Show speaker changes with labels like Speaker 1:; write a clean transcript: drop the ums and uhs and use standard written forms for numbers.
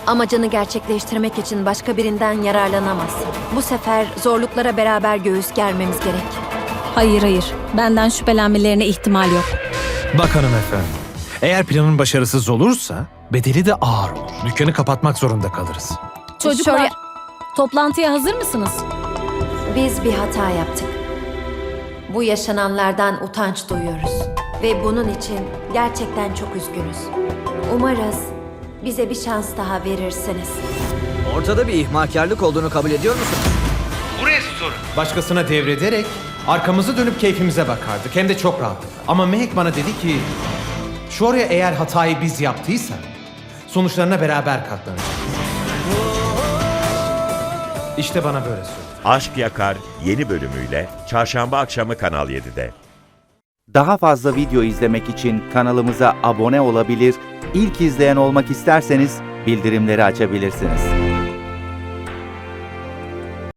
Speaker 1: Amacını gerçekleştirmek için başka birinden yararlanamazsın. Bu sefer zorluklara beraber göğüs germemiz gerek.
Speaker 2: Hayır. Benden şüphelenmelerine ihtimal yok.
Speaker 3: Bak hanımefendi, eğer planın başarısız olursa bedeli de ağır olur. Dükkanı kapatmak zorunda kalırız.
Speaker 2: Çocuklar,
Speaker 1: Şöyle-
Speaker 2: toplantıya hazır mısınız?
Speaker 1: Biz bir hata yaptık. Bu yaşananlardan utanç duyuyoruz. Ve bunun için gerçekten çok üzgünüz. Umarız bize bir şans daha verirsiniz.
Speaker 4: Ortada bir ihmalkarlık olduğunu kabul ediyor musun?
Speaker 3: Bu restoran başkasına devrederek arkamızı dönüp keyfimize bakardık. Hem de çok rahatlıkla. Ama Mehek bana dedi ki şu oraya eğer hatayı biz yaptıysak sonuçlarına beraber katlanacağız. İşte bana böyle söyledi.
Speaker 5: Aşk Yakar yeni bölümüyle Çarşamba akşamı Kanal 7'de.
Speaker 6: Daha fazla video izlemek için kanalımıza abone olabilir, ilk izleyen olmak isterseniz bildirimleri açabilirsiniz.